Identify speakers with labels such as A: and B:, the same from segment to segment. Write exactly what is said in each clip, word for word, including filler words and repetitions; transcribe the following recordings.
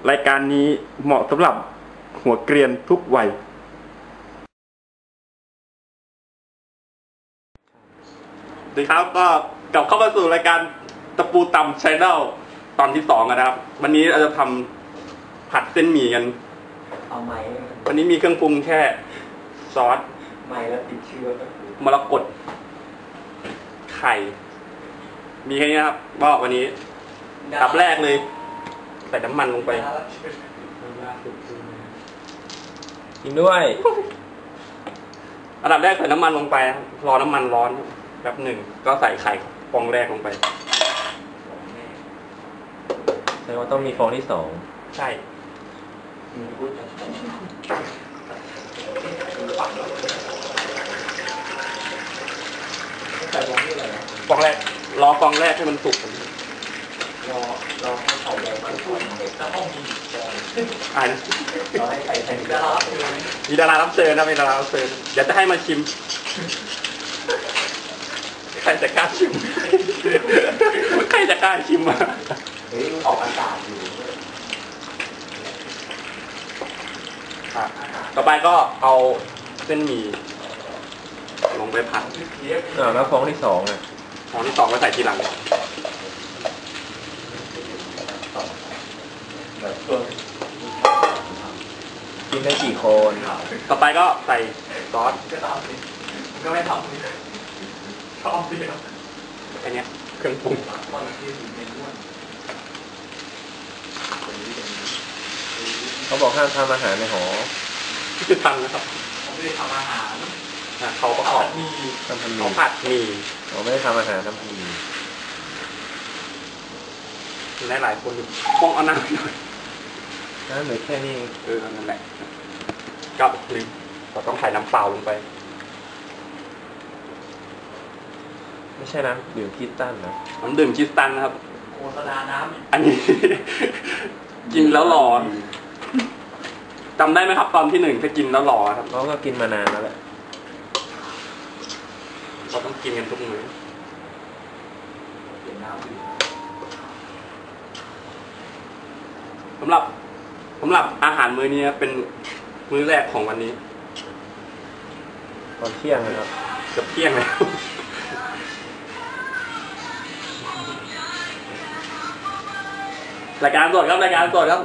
A: รายการนี้เหมาะสำหรับหัวเกรียนทุกวัยสวัสดีครับก็กลับเข้ามาสู่รายการตะปูตำชาแนลตอนที่สองนะครับวันนี้เราจะทำผัดเส้นหมี่กัน
B: เอาไหม
A: วันนี้มีเครื่องปรุงแค่ซอส
B: ไหมแล้วติดเชื้อ
A: มรกตไข่มีแค่นี้ครับก็วันนี้ดับแรกเลยใส่น้ำมันลงไป
C: กินด้วย
A: อันดับแรกใส่น้ำมันลงไปรอน้ำมันร้อนแป๊บหนึ่งก็ใส่ไข่ฟองแรกลงไป
C: แสดงว่าต้องมีฟองที่สอง
A: ใช่
B: ใส่ฟองที่อะไร
A: ฟองแรกรอฟองแรกให้มันสุก
B: รอรอให้ไข่แดงมันสุกแล้วห้องมีฟอง
A: อ่าน
B: รอให้ไข่แดงดารา
A: มีดารารับเชิญนะมีดารารับเชิญเดี๋ยวจะให้มาชิมใครจะกล้าชิมใครจะกล้าชิมมา
B: เฮ้ยออกอากาศอยู่
A: ต่อไปก็เอาเส้นหมี่ลงไปผัด
C: อ่าแล้วฟองที่สองอ่ะ
A: ฟองที่สองก็ใส่ทีหลัง
C: กินได้กี่คน
A: ต่อไปก็ใส่ซอส
B: ก็ไม่ทำชอบดี
A: แค่นี้เครื่องปรุง
C: เขาบอกห้ามทำอาหารในหอ
A: ที่คือทำนะครับ
B: เขาไม่ได้ทำอาหาร
A: เขาประกอบ
B: มี
C: ทำพันมี
A: เขาผัดมี
C: เขาไม่ได้ทำอาหารทำพันมี
A: หลายหลายคนอยู่ป้องเอาน้ำหน่อย
C: น้ำหรือแค่นี้
A: เออนั่นแหละก็ลืมเราต้องใส่น้ำเปล่าลงไป
C: ไม่ใช่น้ำดื่มคิสตันนะ
A: น้ำดื่มคิสตันนะครับ
B: โฆษณาน้ำ
A: อันนี้กินแล้วหลอนจำได้ไหมครับตอนที่หนึ่งถ้ากินแล้วหลอนครับ
C: เราก็กินมานานแล้วแหละ
A: เราต้องกินกันทุกมื้อ
B: กินน้ำ
A: สำหรับสำหรับอาหารมื้อนี้เป็นมื้อแรกของวันนี้
C: ตอนเที่ยงนะครับ
A: เกือบเที่ยงแล้วรายการสดครับรายการสดครับ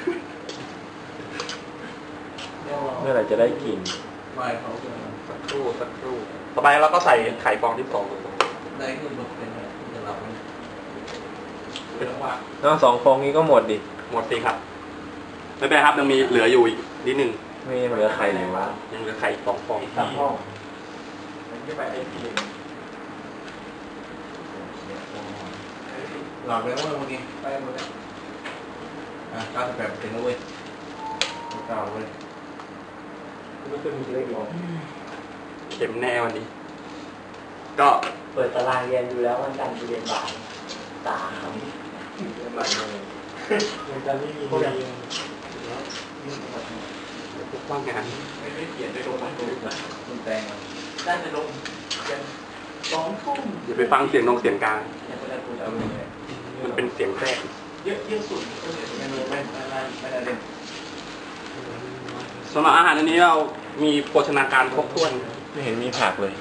C: เมื่อไหร่จะได้กิน
B: ไม่เขา
A: สักครู่สักครู่ต่อไปเราก็ใส่ไข่ฟองที่สอง
B: ได้ขึ้นมาเป็นอะไรจะรับไหม
A: เป็นว่า
C: น้องสองฟองนี้ก็หมดดิ
A: หมดสิครับไม่เป็นครับยังมีเหลืออยู่อีกนิดนึง
C: ไม่ยังเหลือไข่อยู่วะ
A: ยังเหลือไข่สองฟอง
B: สามฟองมันไม่ไปไอ้ทีหลอกเลยว่าวันนี้ไปหมดแล้วอ่ะเก้าสิบแปดเปอร์เซ็นต์แล้วเว้ยเก้าเว้ยไม่เคยมีเลขหรอก
A: เข็มแน่วันนี้ก็
B: เปิดตารางเรียนดูแล้ววันจันทร์เรียนบ่ายสามเรียนบ่ายเลยวันจันทร์ไม่มีเรียน
A: ทุกว่างงาน
B: ไม่ได้เขียนไปลงมันดูคุณแตงน่าจะลงเรียนสองทุ่ม
A: อย่าไปฟังเสียงนงเสียงกลางมันเป็นเสียงแทรก
B: เยอะเยอะสุดก็เลยไม่ไม่ไม่ไม่ไม่ได้เล่น
A: สำหรับอาหารอันนี้เรามีโภชนาการครบถ้วน
C: ไม่เห็นมีผักเลย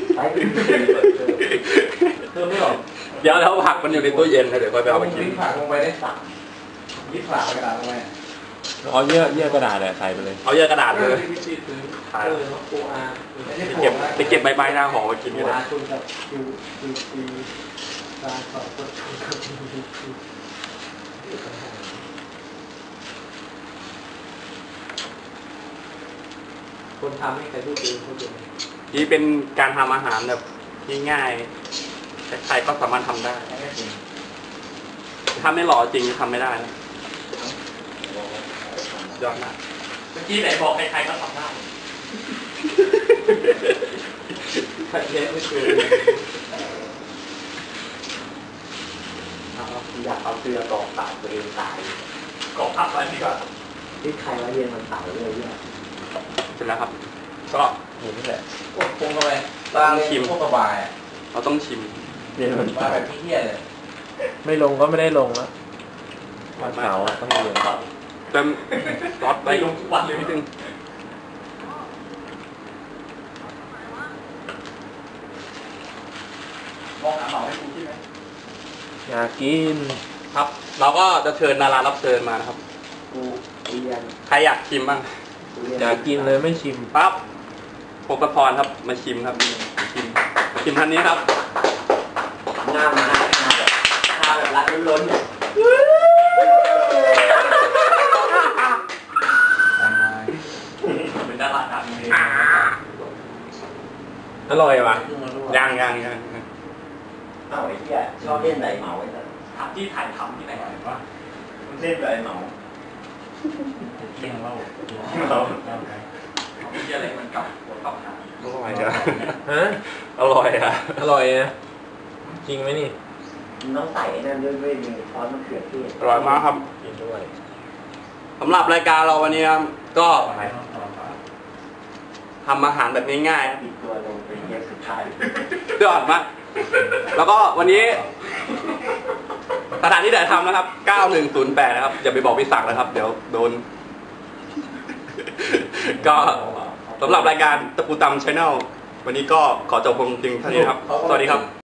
B: เพิ่มไม่หรอ
A: เดี๋ยวแล้วผักมันอยู่ในตู้เย็นเดี๋ยวค่อยไปเอาไปกิน
B: ผักลงไปได้สามยี่ผักกระดาษลงไป
C: เอาเยอะเยอะกระดาษเลยใส่ไปเลย
A: เอาเยอะกระดาษเลย
B: ถ่ายโออา
A: ไปเก็บไปเก็บใบใบหน้าหอมากินกันเลย
B: คนทำให้ใครพูดเองพูดเอง
A: นี่เป็นการทำอาหารแบบง่ายๆใครๆก็สามารถทำได้ถ้าไม่หล่อจริงทำไม่ได้นะยอดมาก
B: เมื่อกี้ไหนบอกใครๆก็ทำได้ใครเล่นไม่เคยอยากเอาเสื้อกรอกตายตัวเองตายกรอกทับอะไรดีกว่าที่ใครว่าเรียนมันตายเลยเนี่ย
A: เสร็จแล้วครับก็
C: หมุนนี่แหละ
B: โอ้โหเข้าไปต้องชิมพวกกระบาย
A: เราต้องชิม
C: เรียนมัน
B: ตายแบบพี่เหี้ยเลย
C: ไม่ลงก็ไม่ได้ลงแล้ววันเสาร์ต้องเรียน
A: เติมซอสไปลงวันเลยนิดนึงมองหาเหมาให้กูใช่ไหม
C: อยากกิน
A: ครับ เราก็จะเชิญดารารับเชิญมานะครับ
B: กูเรียน
A: ใครอยากชิมบ้าง
C: อยากกินเลยไม่ชิม
A: ปั๊บโคกพรครับมาชิมครับมาชิมมาชิมท่านนี้ครับ
B: งามนะงามแบบงามแบบรักล้นๆเนี่ย
A: เป็นดาราดังเลย
C: อร่อยว่ะ
A: ยังยังยัง
B: เอ้าไอ้เหี้ยชอบเล่นไหนเหมาไอ้สัส
A: ถามที่ถ่ายทำที่ไหนวะ
B: มันเล่นแบบไอ้เหมา
A: เที่ยงเล่าเราที่อะไรมันกับหัวกับหางอร่อยอะ
C: ฮะ
A: อร่อยอะ
C: อร่อยนะจริงไหมนี่
B: มันต้องใส่ไอ้นั่นด้วยด้วยมีซอสมะเขือเทศ
A: อร่อยมากครับ
C: กินด้วย
A: สำหรับรายการเราวันนี้ครับก็ทำอาหารแบบง่ายๆครับ
B: ปิดตัวลงเป็นเทปสุดท้าย
A: ยอดมากแล้วก็วันนี้สถานที่ถ่ายทำนะครับเก้าหนึ่งศูนย์แปดนะครับอย่าไปบอกพี่ศักดิ์นะครับ เดี๋ยวโดน ก็สำหรับรายการตะปูตำชาแนลวันนี้ก็ขอจบลงเพียงเท่านี้นะครับ สวัสดีครับ